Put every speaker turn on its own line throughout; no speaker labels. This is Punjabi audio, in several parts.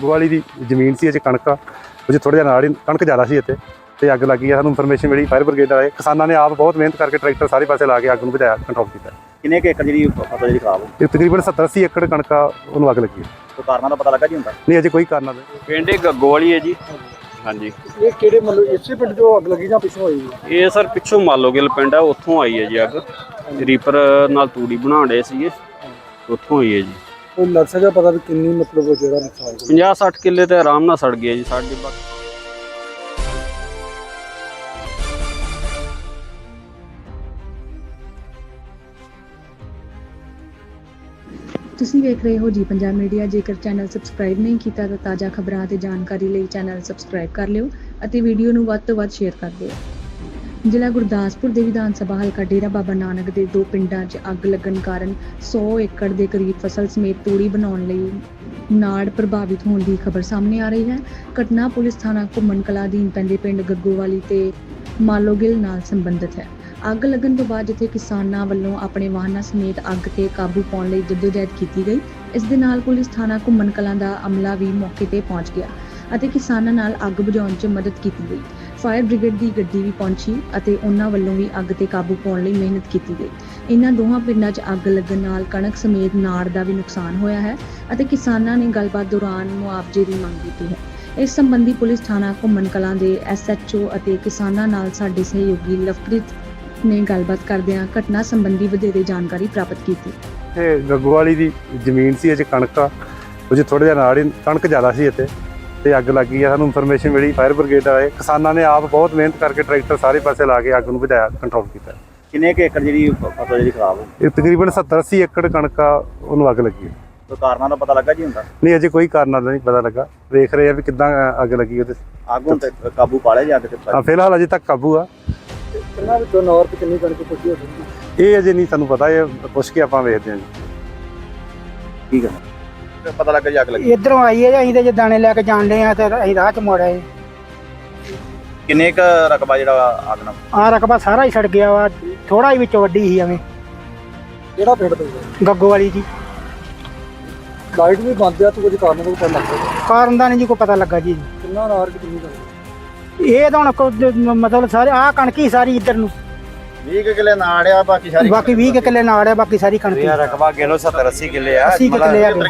ਗੱਗੋਵਾਲੀ ਦੀ ਜ਼ਮੀਨ ਸੀ, ਅਜੇ ਕਣਕ ਆ ਉਹ ਥੋੜ੍ਹਾ ਜਿਹਾ ਨਾਲ ਹੀ ਕਣਕ ਜ਼ਿਆਦਾ ਸੀ ਇੱਥੇ ਤੇ ਅੱਗ ਲੱਗੀ ਆ। ਸਾਨੂੰ ਇਨਫੋਰਮੇਸ਼ਨ ਮਿਲੀ, ਫਾਇਰ ਬ੍ਰਿਗੇਡ ਆਏ, ਕਿਸਾਨਾਂ ਨੇ ਆਪ ਬਹੁਤ ਮਿਹਨਤ ਕਰਕੇ ਟਰੈਕਟਰ ਸਾਰੇ ਪਾਸੇ ਲਾ ਕੇ ਅੱਗ ਨੂੰ ਬੁਝਾਇਆ, ਕੰਟਰੋਲ ਕੀਤਾ।
ਕਿੰਨੇ ਕੁ ਏਕੜ ਜਿਹੜੀ ਫਸਲ ਜਿਹੜੀ ਖਰਾਬ ਹੋ
ਇਹ ਤਕਰੀਬਨ 70-80 ਏਕੜ ਕਣਕ ਆ ਉਹਨੂੰ ਅੱਗ ਲੱਗੀ।
ਕੋਈ ਕਾਰਨਾਂ ਦਾ ਪਤਾ ਲੱਗਾ ਜੀ ਹੁੰਦਾ?
ਨਹੀਂ, ਅਜੇ ਕੋਈ ਕਾਰਨ ਨਹੀਂ।
ਪਿੰਡ ਗੱਗੋਵਾਲੀ ਹੈ ਜੀ। ਹਾਂਜੀ,
ਇਹ ਕਿਹੜੇ ਮਤਲਬ ਇਸੇ ਪਿੰਡ ਜੋ ਅੱਗ ਲੱਗੀ ਜਾਂ ਪਿੱਛੋਂ ਹੋਈ?
ਇਹ ਸਰ ਪਿੱਛੋਂ ਮਾਲੋਗਿਲ ਪਿੰਡ ਆ, ਉੱਥੋਂ ਆਈ ਹੈ ਜੀ ਅੱਗ। ਰੀਪਰ ਨਾਲ ਤੂੜੀ ਬਣਾ ਰਹੇ ਸੀਗੇ, ਉੱਥੋਂ ਹੋਈ ਹੈ ਜੀ।
ਕੋਈ ਲੱਗ ਸਕਦਾ ਪਤਾ ਵੀ ਕਿੰਨੀ ਮਤਲਬ ਜਿਹੜਾ ਨੁਕਸਾਨ
50-60 ਕਿੱਲੇ ਤੇ ਆਰਾਮ ਨਾਲ ਸੜ ਗਿਆ ਜੀ ਸਾਡੇ।
ਤੁਸੀਂ ਵੇਖ ਰਹੇ ਹੋ ਜੀ ਪੰਜਾਬ ਮੀਡੀਆ। ਜੇਕਰ ਚੈਨਲ ਸਬਸਕ੍ਰਾਈਬ ਨਹੀਂ ਕੀਤਾ ਤਾਂ ਤਾਜ਼ਾ ਖਬਰਾਂ ਅਤੇ ਜਾਣਕਾਰੀ ਲਈ ਚੈਨਲ ਸਬਸਕ੍ਰਾਈਬ ਕਰ ਲਿਓ ਅਤੇ ਵੀਡੀਓ ਨੂੰ ਵੱਧ ਤੋਂ ਵੱਧ ਸ਼ੇਅਰ ਕਰ ਦਿਓ। ਜ਼ਿਲ੍ਹਾ ਗੁਰਦਾਸਪੁਰ ਦੇ ਵਿਧਾਨ ਸਭਾ ਹਲਕਾ ਡੇਰਾ ਬਾਬਾ ਨਾਨਕ ਦੇ 2 ਪਿੰਡਾਂ 'ਚ ਅੱਗ ਲੱਗਣ ਕਾਰਨ 100 ਏਕੜ ਦੇ ਕਰੀਬ ਫਸਲ ਸਮੇਤ ਤੂੜੀ ਬਣਾਉਣ ਲਈ ਨਾੜ ਪ੍ਰਭਾਵਿਤ ਹੋਣ ਦੀ ਖਬਰ ਸਾਹਮਣੇ ਆ ਰਹੀ ਹੈ। ਘਟਨਾ ਪੁਲਿਸ ਥਾਣਾ ਘੁੰਮਣ ਕਲਾਂ ਅਧੀਨ ਪੈਂਦੇ ਪਿੰਡ ਗੱਗੋਵਾਲੀ ਤੇ ਮਾਲੋਗਿਲ ਨਾਲ ਸੰਬੰਧਿਤ ਹੈ। ਅੱਗ ਲੱਗਣ ਤੋਂ ਬਾਅਦ ਜਿੱਥੇ ਕਿਸਾਨਾਂ ਵੱਲੋਂ ਆਪਣੇ ਵਾਹਨਾਂ ਸਮੇਤ ਅੱਗ ਤੇ ਕਾਬੂ ਪਾਉਣ ਲਈ ਜਦੋਜਹਿਦ ਕੀਤੀ ਗਈ, ਇਸ ਦੇ ਨਾਲ ਪੁਲਿਸ ਥਾਣਾ ਘੁੰਮਣ ਕਲਾਂ ਦਾ ਅਮਲਾ ਵੀ ਮੌਕੇ ਤੇ ਪਹੁੰਚ ਗਿਆ ਅਤੇ ਕਿਸਾਨਾਂ ਨਾਲ ਅੱਗ ਬੁਝਾਉਣ 'ਚ ਮਦਦ ਕੀਤੀ ਗਈ। ਫਾਇਰ ਬ੍ਰਿਗੇਡ ਦੀ ਗੱਡੀ ਵੀ ਪਹੁੰਚੀ ਅਤੇ ਉਹਨਾਂ ਵੱਲੋਂ ਵੀ ਅੱਗ ਤੇ ਕਾਬੂ ਪਾਉਣ ਲਈ ਮਿਹਨਤ ਕੀਤੀ ਗਈ। ਇਹਨਾਂ ਦੋਹਾਂ ਪਿੰਡਾਂ 'ਚ ਅੱਗ ਲੱਗਣ ਨਾਲ ਕਣਕ ਸਮੇਤ ਨਾੜ ਦਾ ਵੀ ਨੁਕਸਾਨ ਹੋਇਆ ਹੈ ਅਤੇ ਕਿਸਾਨਾਂ ਨੇ ਗੱਲਬਾਤ ਦੌਰਾਨ ਮੁਆਵਜ਼ੇ ਦੀ ਮੰਗ ਕੀਤੀ ਹੈ। ਇਸ ਸੰਬੰਧੀ ਪੁਲਿਸ ਥਾਣਾ ਘੁੰਮਣ ਕਲਾਂ ਦੇ SHO ਅਤੇ ਕਿਸਾਨਾਂ ਨਾਲ ਸਾਡੇ ਸਹਿਯੋਗੀ ਲਵਪ੍ਰੀਤ ਨੇ ਗੱਲਬਾਤ ਕਰਦਿਆਂ ਘਟਨਾ ਸੰਬੰਧੀ ਵਧੇਰੇ ਜਾਣਕਾਰੀ ਪ੍ਰਾਪਤ ਕੀਤੀ।
ਇਹ ਗੱਗੋਵਾਲੀ ਦੀ ਜ਼ਮੀਨ ਸੀ, ਅਜੇ ਕਣਕ ਆ ਉਹ ਥੋੜ੍ਹਾ ਜਿਹਾ ਨਾਲ ਹੀ ਕਣਕ ਜ਼ਿਆਦਾ ਸੀ ਇੱਥੇ ਤੇ ਅੱਗ ਲੱਗੀ ਆ। ਸਾਨੂੰ ਇਨਫੋਰਮੇਸ਼ਨ ਮਿਲੀ, ਫਾਇਰ ਬ੍ਰਿਗੇਡ ਆਏ, ਕਿਸਾਨਾਂ ਨੇ ਆਪ ਬਹੁਤ ਮਿਹਨਤ ਕਰਕੇ ਟਰੈਕਟਰ ਸਾਰੇ ਪਾਸੇ ਲਾ ਕੇ ਅੱਗ ਨੂੰ ਬੁਝਾਇਆ, ਕੰਟਰੋਲ ਕੀਤਾ।
ਕਿੰਨੇ ਕੁ ਏਕੜ ਜਿਹੜੀ ਫਸਲ ਜਿਹੜੀ ਖਰਾਬ ਹੋ
ਇਹ ਤਕਰੀਬਨ 70-80 ਏਕੜ ਕਣਕ ਆ ਉਹਨੂੰ ਅੱਗ ਲੱਗੀ।
ਕੋਈ ਕਾਰਨਾਂ ਦਾ ਪਤਾ ਲੱਗਾ ਜੀ ਹੁੰਦਾ?
ਨਹੀਂ, ਅਜੇ ਕੋਈ ਕਾਰਨ ਨਹੀਂ ਪਤਾ ਲੱਗਾ। ਵੇਖ ਰਹੇ ਆ ਵੀ ਕਿੱਦਾਂ ਅੱਗ ਲੱਗੀ ਉਹਦੇ।
ਅੱਗ ਹੁਣ ਤੇ ਕਾਬੂ ਪਾ ਲਿਆ ਜੀ ਅੱਗ ਤੇ?
ਫਿਲਹਾਲ ਅਜੇ ਤੱਕ ਕਾਬੂ ਆ।
ਕਿੰਨਾ ਵਿੱਚੋਂ ਨੌਰ ਤੇ ਕਿੰਨੀ ਕਣਕ ਪੁੱਜੀ ਹੋ ਸਕਦੀ?
ਇਹ ਅਜੇ ਨਹੀਂ ਸਾਨੂੰ ਪਤਾ, ਇਹ ਪੁੱਛ ਕੇ ਆਪਾਂ ਵੇਖਦੇ ਹਾਂ ਜੀ।
ਠੀਕ ਹੈ, ਪਤਾ ਲੱਗਾ ਜੀ ਅੱਗ ਲੱਗੀ
ਇੱਧਰੋਂ ਆਈ ਹੈ ਜੀ। ਅਸੀਂ ਤੇ ਜੇ ਦਾਣੇ ਲੈ ਕੇ ਜਾਣ ਡਏ ਆ ਤੇ ਅਸੀਂ ਰਾਹ 'ਚ ਮੁੜ ਆਏ।
ਕਿੰਨੇ ਕੁ ਰਕਬਾ ਜਿਹੜਾ ਅੱਗ ਨਾਲ?
ਆਹ ਰਕਬਾ ਸਾਰਾ ਹੀ ਸੜ ਗਿਆ ਵਾ, ਥੋੜਾ ਹੀ ਵਿੱਚੋਂ ਵੱਡੀ ਸੀ ਐਵੇਂ।
ਕਿਹੜਾ ਪਿੰਡ ਪੈਂਦਾ?
ਗੱਗੋਵਾਲੀ ਜੀ।
ਲਾਈਟ ਵੀ ਬੰਦ ਆ, ਤੂੰ ਕੁਝ ਕਾਰਨ ਦਾ ਪਤਾ ਲੱਗ ਸਕਦਾ?
ਕਾਰਨ ਦਾ ਨਹੀਂ ਜੀ ਕੋਈ ਪਤਾ ਲੱਗਾ ਜੀ।
ਕਿੰਨਾ ਨਾਰ ਕਿ ਕਿੰਨੀ ਕਣਕ?
ਇਹ ਤਾਂ ਹੁਣ ਮਤਲਬ ਸਾਰੇ ਆਹ ਕਣਕੀ ਸਾਰੀ ਇੱਧਰ ਨੂੰ
20 ਕਿੱਲੇ ਨਾੜ ਆ, ਬਾਕੀ ਸਾਰੀ
ਬਾਕੀ 20 ਕਿੱਲੇ ਨਾੜ ਆ, ਬਾਕੀ ਸਾਰੀ ਕਣਕੀ।
ਰਕਬਾ ਗਿਣੋ 70-80 ਕਿੱਲੇ ਆ।
80 ਕਿੱਲੇ ਆ,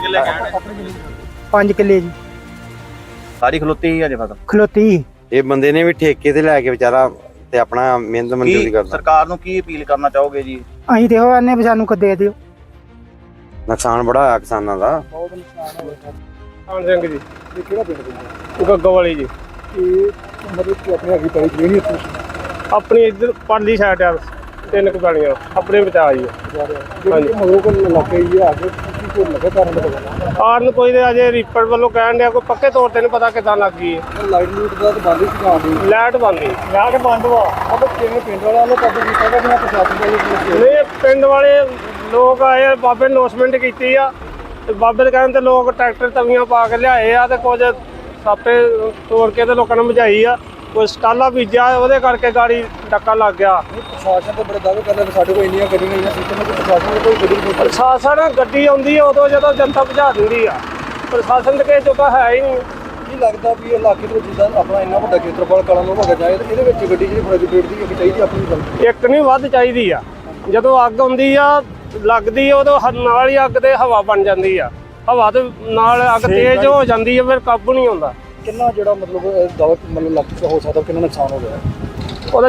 5 ਕਿੱਲੇ ਜੀ
ਸਾਰੀ ਖਲੋਤੀ ਹੀ ਅਜੇ ਫਸਲ
ਖਲੋਤੀ।
ਇਹ ਬੰਦੇ ਨੇ ਵੀ ਠੇਕੇ ਤੇ ਲੈ ਕੇ ਵਿਚਾਰਾ ਤੇ ਆਪਣਾ ਮਿਹਨਤ ਮਜ਼ਦੂਰੀ ਕਰਦਾ।
ਸਰਕਾਰ ਨੂੰ ਕੀ ਅਪੀਲ ਕਰਨਾ ਚਾਹੋਗੇ ਜੀ?
ਅਸੀਂ ਤੇ ਉਹ ਆਨੇ ਵੀ ਸਾਨੂੰ ਕੋ ਦੇ ਦਿਓ।
ਨੁਕਸਾਨ ਬੜਾ ਹੋਇਆ ਕਿਸਾਨਾਂ ਦਾ।
ਬਹੁਤ ਨੁਕਸਾਨ ਹੋਇਆ।
ਕਾਨ ਸਿੰਘ ਜੀ,
ਇਹ ਕਿਹੜਾ ਪਿੰਡ ਪੈਂਦਾ?
ਗੱਗੋਵਾਲੀ ਜੀ।
ਇਹ ਮਤਲਬ ਕਿ ਆਪਣੇ ਅੱਗੇ ਪੈਲੀ ਜਿਹੜੀ ਇੱਥੇ
ਆਪਣੀ ਇੱਧਰ ਪਰਲੀ ਸਾਈਡ ਆ, 3 ਕੁ ਆਪਣੇ ਬਚਾ ਜੀ।
ਜਿਹੜੀ ਮਗਰੋਂ ਕੋਲ ਇਲਾਕੇ ਹੀ ਆ, ਅੱਗੇ ਕੀ ਕੋਈ ਲੱਗਾ ਕਾਰਨ ਦਾ ਪਤਾ?
ਕਾਰਨ ਕੋਈ ਤੇ ਅਜੇ ਰੀਪਰ ਵੱਲੋਂ ਕਹਿਣ ਡਿਆ, ਕੋਈ ਪੱਕੇ ਤੌਰ ਤੇ ਨਹੀਂ ਪਤਾ ਕਿੱਦਾਂ ਲੱਗ ਗਈ ਹੈ।
ਲਾਈਟ ਲੂਟ ਦਾ ਤਾਂ ਬੰਦ ਹੀ ਸੀ ਆਉਂਦੀ।
ਲਾਈਟ ਬੰਦ ਵਾ।
ਅਬ ਕਿਵੇਂ ਪਿੰਡ ਵਾਲਿਆਂ ਨੇ ਕਦੋਂ ਕੀਤਾ ਕਿ ਮੈਂ ਪ੍ਰਸ਼ਾਸਨ ਦਾ ਇਹ
ਨਹੀਂ, ਪਿੰਡ ਵਾਲੇ ਲੋਕ ਆਏ, ਬਾਬੇ ਅਨਾਉਂਸਮੈਂਟ ਕੀਤੀ ਆ ਤੇ ਬਾਬੇ ਦੇ ਕਹਿਣ ਤੇ ਲੋਕ ਟਰੈਕਟਰ ਤਵੀਆਂ ਪਾ ਕੇ ਲਿਆਏ ਆ ਤੇ ਕੁਝ ਸਾਪੇ ਤੋੜ ਕੇ ਤੇ ਲੋਕਾਂ ਨੂੰ ਬੁਝਾਈ ਆ। ਕੋਈ ਸਟਾਲਾ ਬੀਜਿਆ, ਉਹਦੇ ਕਰਕੇ ਗਾੜੀ ਡੱਕਾ ਲੱਗ ਗਿਆ।
ਪ੍ਰਸ਼ਾਸਨ ਤੇ ਬੜੇ ਦਾਅਵੇ ਕਰਦਾ ਵੀ ਸਾਡੇ ਕੋਲ ਇੰਨੀਆਂ ਗੱਡੀਆਂ ਨਹੀਂ ਸਿਸਟਮ ਕਿ ਪ੍ਰਸ਼ਾਸਨ ਕੋਈ ਗੱਡੀ ਨਹੀਂ।
ਪ੍ਰਸ਼ਾਸਨ ਗੱਡੀ ਆਉਂਦੀ ਆ ਉਦੋਂ ਜਦੋਂ ਜਨਤਾ ਬੁਝਾ ਦਿੰਦੀ ਆ। ਪ੍ਰਸ਼ਾਸਨ ਤੇ ਕਿਸੇ ਜੋਗਾ ਹੈ ਹੀ ਨਹੀਂ।
ਕੀ ਲੱਗਦਾ ਵੀ ਇਹ ਇਲਾਕੇ ਦੇ ਵਿੱਚ ਜਿੱਦਾਂ ਆਪਣਾ ਇੰਨਾ ਵੱਡਾ ਖੇਤਰਫਲ ਕਲਾਂ ਨੂੰ ਹੋ ਜਾਏ ਤੇ ਇਹਦੇ ਵਿੱਚ ਗੱਡੀ ਜਿਹੜੀ ਫਰਜ਼ ਦੀ ਇੱਕ ਚਾਹੀਦੀ ਆਪਣੀ ਗੱਲ
ਇੱਕ ਨਹੀਂ ਵੱਧ ਚਾਹੀਦੀ ਆ। ਜਦੋਂ ਅੱਗ ਆਉਂਦੀ ਆ ਲੱਗਦੀ ਆ ਉਦੋਂ ਨਾਲ ਹੀ ਅੱਗ ਤੇ ਹਵਾ ਬਣ ਜਾਂਦੀ ਆ। ਹਵਾ ਦੇ ਨਾਲ ਅੱਗ ਤੇਜ਼ ਹੋ ਜਾਂਦੀ ਆ, ਫਿਰ ਕਾਬੂ ਨਹੀਂ ਆਉਂਦਾ।
ਕਿੰਨਾ ਜਿਹੜਾ ਮਤਲਬ ਦਾਅਵਾ ਮਤਲਬ ਲੱਗ ਹੋ ਸਕਦਾ, ਕਿੰਨਾ ਨੁਕਸਾਨ ਹੋ ਗਿਆ?
ਉਹਦਾ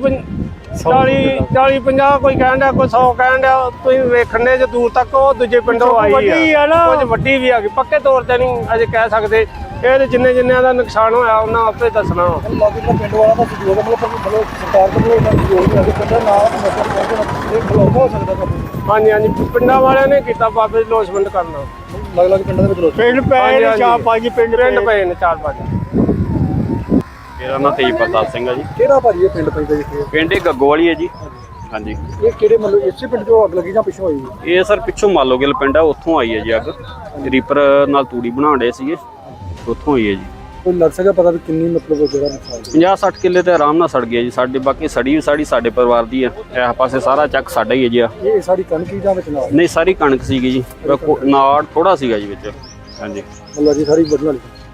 40-50 ਕੋਈ ਕਹਿਣ ਡਿਆ, ਕੋਈ 100 ਕਹਿਣ ਡਿਆ। ਤੁਸੀਂ ਵੇਖਣ ਦੇ ਜੇ ਦੂਰ ਤੱਕ ਉਹ ਦੂਜੇ ਪਿੰਡੋਂ ਆਈ ਆ, ਕੁਝ ਵੱਡੀ ਵੀ ਆ ਗਈ। ਪੱਕੇ ਤੌਰ ਤੇ ਨਹੀਂ ਅਜੇ ਕਹਿ ਸਕਦੇ। ਇਹ ਤੇ ਜਿੰਨਿਆਂ ਦਾ ਨੁਕਸਾਨ ਹੋਇਆ ਉਹਨਾਂ ਆਪੇ ਦੱਸਣਾ।
ਲਾਗੇ ਜਿਹੜਾ ਪਿੰਡ ਵਾਲਾ ਦਾ ਸਹਿਯੋਗ ਮਤਲਬ ਸਰਕਾਰ ਵੱਲੋਂ ਇਹਨਾਂ ਦਾ ਸਹਿਯੋਗ ਨਹੀਂ ਆ, ਪਿੰਡਾਂ ਨਾਲ ਇਹ ਬਲੌਕ ਹੋ ਸਕਦਾ ਕੰਮ।
ਹਾਂਜੀ, ਪਿੰਡਾਂ ਵਾਲਿਆਂ ਨੇ ਕੀਤਾ ਬਾਬੇ ਦੀ ਲੋਸਮੈਂਟ ਕਰਨਾ।
ਅਲੱਗ-ਅਲੱਗ ਪਿੰਡਾਂ ਦੇ ਵਿੱਚ ਲੋਕ
ਪਿੰਡ ਪਏ ਨੇ 4-5 ਪਿੰਡ ਪਏ ਨੇ 4-5। ਮੇਰਾ ਨਾਮ ਤੇਜਪਾਲ ਸਿੰਘ ਆ ਜੀ।
ਕਿਹੜਾ ਭਾਜੀ ਇਹ ਪਿੰਡ ਪੈਂਦਾ ਜਿੱਥੇ?
ਪਿੰਡ ਗੱਗੋਵਾਲੀ ਹੈ ਜੀ। ਹਾਂਜੀ,
ਇਹ ਕਿਹੜੇ ਮਤਲਬ ਇਸੇ ਪਿੰਡ ਜੋ ਅੱਗ ਲੱਗੀ ਜਾਂ ਪਿੱਛੋਂ ਹੋਈ?
ਇਹ ਸਰ ਪਿੱਛੋਂ ਮਾਲੋਗਿਲ ਪਿੰਡ ਆ, ਉੱਥੋਂ ਆਈ ਹੈ ਜੀ ਅੱਗ। ਰੀਪਰ ਨਾਲ ਤੂੜੀ ਬਣਾ ਰਹੇ ਸੀਗੇ, ਉੱਥੋਂ ਹੋਈ ਹੈ ਜੀ।
ਕੋਈ ਲੱਗ ਸਕਦਾ ਪਤਾ ਵੀ ਕਿੰਨੀ ਮਤਲਬ ਜਿਹੜਾ ਨੁਕਸਾਨ?
50-60 ਕਿੱਲੇ ਤੇ ਆਰਾਮ ਨਾਲ ਸੜ ਗਿਆ ਜੀ ਸਾਡੇ। ਬਾਕੀ ਸੜੀ ਸਾਡੇ ਪਰਿਵਾਰ ਦੀ ਆ। ਇਸ ਪਾਸੇ ਸਾਰਾ ਚੱਕ ਸਾਡਾ ਹੀ ਹੈ ਜੀ।
ਇਹ ਸਾਡੀ ਕਣਕ ਹੀ ਜਾਂ ਵਿੱਚ ਨਾਲ?
ਨਹੀਂ, ਸਾਰੀ ਕਣਕ ਸੀਗੀ ਜੀ, ਨਾੜ ਥੋੜਾ ਸੀਗਾ ਜੀ ਵਿੱਚ। ਹਾਂਜੀ,
ਮਤਲਬ ਜੀ ਸਾਰੀ ਵੱਢਣ ਵਾਲੀ।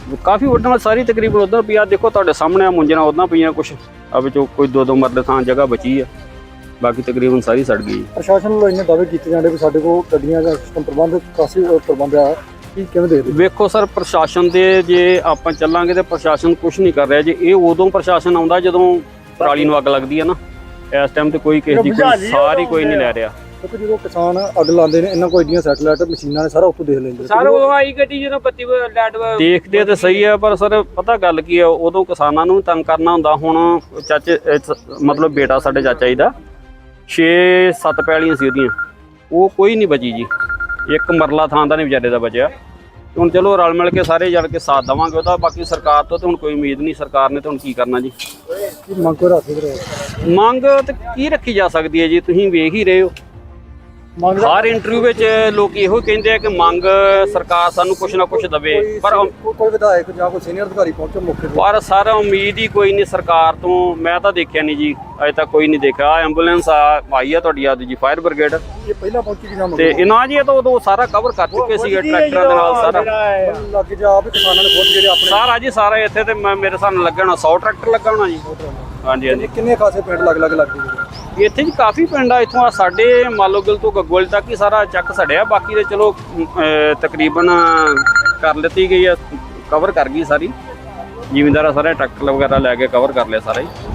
ਕਾਫੀ ਵੱਡਾ ਸਾਰੀ ਤਕਰੀਬਨ ਉਧਰ ਪਿਆ ਦੇਖੋ ਤੁਹਾਡੇ ਸਾਹਮਣੇ ਆ ਮੁੰਜਣਾ ਉਦਾਂ ਪਈਆਂ ਕੁਛ ਆ ਵਿੱਚੋਂ ਕੋਈ 2-2 ਮਰਲੇ ਥਾਂ ਜਗ੍ਹਾ ਬਚੀ ਆ ਬਾਕੀ ਤਕਰੀਬਨ ਸਾਰੀ ਸੜ ਗਈ।
ਪ੍ਰਸ਼ਾਸਨ ਵੱਲੋਂ ਇੰਨੇ ਦਾਅਵੇ ਕੀਤੇ ਜਾਂਦੇ ਵੀ ਸਾਡੇ ਕੋਲ ਗੱਡੀਆਂ ਦਾ ਸਿਸਟਮ ਪ੍ਰਬੰਧ ਕਾਫੀ ਪ੍ਰਬੰਧ ਆ, ਕੀ ਕਿਵੇਂ ਦੇਖਦੇ?
ਵੇਖੋ ਸਰ ਪ੍ਰਸ਼ਾਸਨ ਦੇ ਜੇ ਆਪਾਂ ਚੱਲਾਂਗੇ ਤੇ ਪ੍ਰਸ਼ਾਸਨ ਕੁਝ ਨਹੀਂ ਕਰ ਰਿਹਾ ਜੀ। ਇਹ ਉਦੋਂ ਪ੍ਰਸ਼ਾਸਨ ਆਉਂਦਾ ਜਦੋਂ ਪਰਾਲੀ ਨੂੰ ਅੱਗ ਲੱਗਦੀ ਹੈ ਨਾ। ਇਸ ਟਾਈਮ ਤੇ ਕੋਈ ਕਿਸੇ ਦੀ ਕੋਈ ਸਾਰੀ ਕੋਈ ਨਹੀਂ ਲੈ ਰਿਹਾ।
ਕਿਉਂਕਿ ਜਦੋਂ ਕਿਸਾਨ ਅੱਗ ਲਾਉਂਦੇ ਨੇ ਇਹਨਾਂ ਕੋਲ ਏਡੀਆਂ ਸੈਟਲਾਈਟ ਮਸ਼ੀਨਾਂ ਨੇ ਸਾਰਾ ਉੱਥੋਂ ਦੇਖ ਲੈਂਦੇ
ਸਰ ਉਹ ਆਈ ਗੱਡੀ ਜਦੋਂ ਬੱਤੀ ਲਾਈਟ ਦੇਖਦੇ ਤੇ ਸਹੀ ਆ ਪਰ ਸਰ ਪਤਾ ਗੱਲ ਕੀ ਆ ਉਦੋਂ ਕਿਸਾਨਾਂ ਨੂੰ ਤੰਗ ਕਰਨਾ ਹੁੰਦਾ। ਹੁਣ ਚਾਚੇ ਮਤਲਬ ਬੇਟਾ ਸਾਡੇ ਚਾਚਾ ਜੀ ਦਾ 6-7 ਪੈਲੀਆਂ ਸੀ ਉਹਦੀਆਂ, ਉਹ ਕੋਈ ਨਹੀਂ ਬਚੀ ਜੀ। ਇੱਕ ਮਰਲਾ ਥਾਂ ਦਾ ਨਹੀਂ ਵਿਚਾਰੇ ਦਾ ਬਚਿਆ। ਹੁਣ ਚਲੋ ਰਲ ਮਿਲ ਕੇ ਸਾਰੇ ਜਲ ਕੇ ਸਾਥ ਦੇਵਾਂਗੇ ਉਹਦਾ। ਬਾਕੀ ਸਰਕਾਰ ਤੋਂ ਤੇ ਹੁਣ ਕੋਈ ਉਮੀਦ ਨਹੀਂ। ਸਰਕਾਰ ਨੇ ਤਾਂ ਹੁਣ ਕੀ ਕਰਨਾ ਜੀ।
ਕੀ ਮੰਗ ਕੋ ਰੱਖ ਰਹੇ
ਮੰਗ ਤੇ ਕੀ ਰੱਖੀ ਜਾ ਸਕਦੀ ਹੈ ਜੀ, ਤੁਸੀਂ ਵੇਖ ਹੀ ਰਹੇ ਹੋ। ਹਰ ਇੰਟਰਵਿਊ ਵਿੱਚ ਲੋਕ ਇਹੋ ਕਹਿੰਦੇ ਆ ਕਿ ਮੰਗ ਸਰਕਾਰ ਸਾਨੂੰ ਕੁਛ ਨਾ ਕੁਛ ਦੇਵੇ ਪਰ
ਕੋਈ ਵਿਧਾਇਕ ਜਾਂ ਕੋਈ ਸੀਨੀਅਰ ਅਧਿਕਾਰੀ ਪਹੁੰਚੋ ਮੌਕੇ ਤੇ?
ਪਰ ਸਰ ਉਮੀਦ ਹੀ ਕੋਈ ਨਹੀਂ ਸਰਕਾਰ ਤੋਂ। ਮੈਂ ਤਾਂ ਦੇਖਿਆ ਨਹੀਂ ਜੀ, ਅਜੇ ਤੱਕ ਕੋਈ ਨਹੀਂ ਦੇਖਿਆ। ਐਂਬੂਲੈਂਸ ਆਈ ਆ ਤੁਹਾਡੀ ਆ ਜੀ ਫਾਇਰ ਬ੍ਰਿਗੇਡ
ਇਹ ਪਹਿਲਾਂ ਪਹੁੰਚੀ ਕਿ ਜਾਂ
ਤੇ ਇਹਨਾਂ ਜੀ ਇਹ ਤਾਂ ਉਦੋਂ ਸਾਰਾ ਕਵਰ ਕਰ ਚੁੱਕੇ ਸੀਗੇ ਟਰੈਕਟਰਾਂ ਦੇ ਨਾਲ ਸਾਰਾ
ਲੱਗ ਜਾ ਵੀ ਕਿਸਾਨਾਂ ਨੇ ਖੁਦ ਜਿਹੜੇ ਆਪਣੇ
ਸਾਰਾ ਜੀ ਸਾਰਾ ਇੱਥੇ ਤੇ ਮੇਰੇ ਸਾਨੂੰ ਲੱਗਾ ਹੋਣਾ 100 ਟਰੈਕਟਰ ਲੱਗਾ ਹੋਣਾ ਜੀ। ਹਾਂਜੀ ਹਾਂਜੀ
ਕਿੰਨੇ ਖਾਸੇ ਪਿੰਡ ਲੱਗ ਲੱਗਦੇ
ਇੱਥੇ ਜੀ ਕਾਫੀ ਪਿੰਡ ਆ। ਇੱਥੋਂ ਆ ਸਾਡੇ ਮਾਲੋਗਲ ਤੋਂ ਗੱਗੋਲ ਤੱਕ ਹੀ ਸਾਰਾ ਚੱਕ ਸੜਿਆ। ਬਾਕੀ ਦੇ ਚਲੋ ਤਕਰੀਬਨ ਕਰ ਲਿੱਤੀ ਗਈ ਆ, ਕਵਰ ਕਰ ਗਈ ਸਾਰੀ। ਜ਼ਿਮੀਂਦਾਰਾਂ ਸਾਰੇ ਟਰੈਕਟਰ ਵਗੈਰਾ ਲੈ ਕੇ ਕਵਰ ਕਰ ਲਿਆ ਸਾਰਾ ਹੀ।